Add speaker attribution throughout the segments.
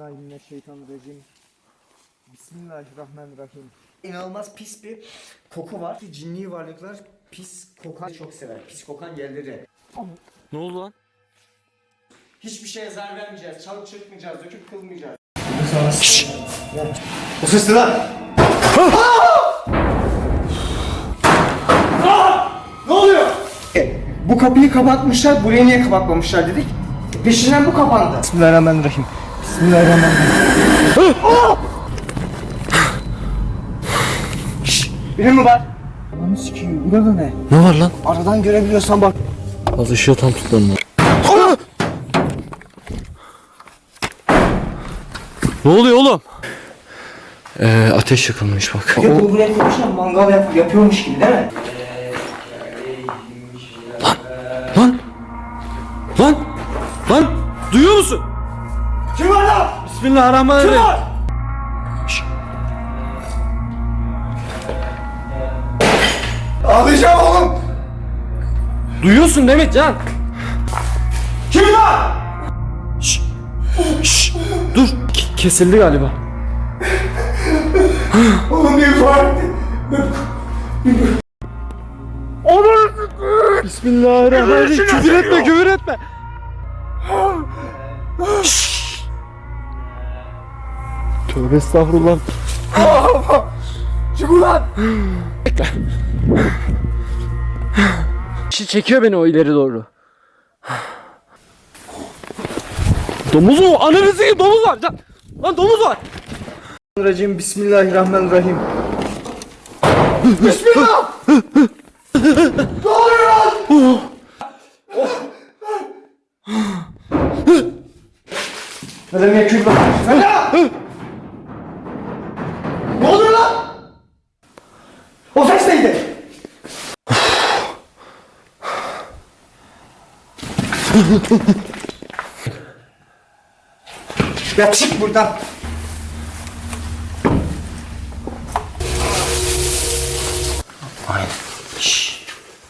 Speaker 1: Euzubillahimineşşeytanirracim. Bismillahirrahmanirrahim.
Speaker 2: İnanılmaz pis bir koku var. Cinli varlıklar pis kokan çok sever. Pis kokan yerleri.
Speaker 3: Ne oldu lan?
Speaker 2: Hiçbir şeye zarar vermeyeceğiz. Çalıp çırpmayacağız. Döküp kılmayacağız. Şşş! O ses ne lan? Ne oluyor? Bu kapıyı kapatmışlar. Burayı niye kapatmamışlar dedik. Peşinden bu kapandı.
Speaker 1: Bismillahirrahmanirrahim. Bismillahirrahmanirrahim.
Speaker 2: Biri mi var?
Speaker 1: Ananı sikiyim. Burada ne?
Speaker 3: Ne var lan?
Speaker 2: Aradan görebiliyorsan bak.
Speaker 3: Az ışığı tam tutmadım. Ne oluyor oğlum? Ateş yakılmış bak.
Speaker 2: Bir de buraya koymuşlar mangal yapıyormuş gibi değil mi?
Speaker 3: Lan! Lan! Lan! Duyuyor musun?
Speaker 2: Kim var lan?
Speaker 3: Bismillahirrahmanirrahim.
Speaker 2: Kim var? Ağlayacağım oğlum.
Speaker 3: Duyuyorsun değil mi Can?
Speaker 2: Kim var?
Speaker 3: Şşş! Dur! Kesildi galiba.
Speaker 2: Oğlum bir var.
Speaker 3: Bismillahirrahmanirrahim. Küfür etme, küfür etme. Şşş! Tövbe estağfurullah.
Speaker 2: Çık ulan.
Speaker 3: Bekle. Çekiyor beni o ileri doğru. Domuz mu? Ananı sikeyim, domuz var. Lan domuz var.
Speaker 1: Racim. Bismillahirrahmanirrahim.
Speaker 2: Bismillah. Ne oluyor lan? Ne demek ki lan? Fena! Ne oluyor lan? O ses neydi? Ya çık buradan. Aynen. Şşş.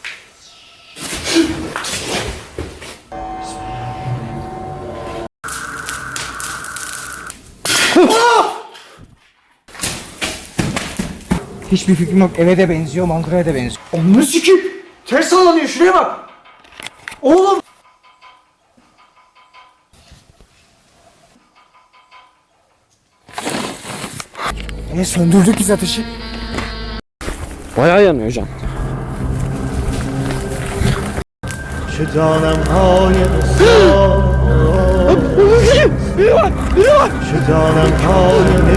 Speaker 1: Hiçbir fikrim yok. Eve de benziyor, mangıraya da benziyor.
Speaker 2: Onu sikeyim. Ters sallanıyor, şuraya bak. Oğlum.
Speaker 1: Söndürdük biz ateşi.
Speaker 3: Bayağı yanıyor Can.
Speaker 1: Şu canım
Speaker 3: Biri var, biri var.
Speaker 1: Şu canım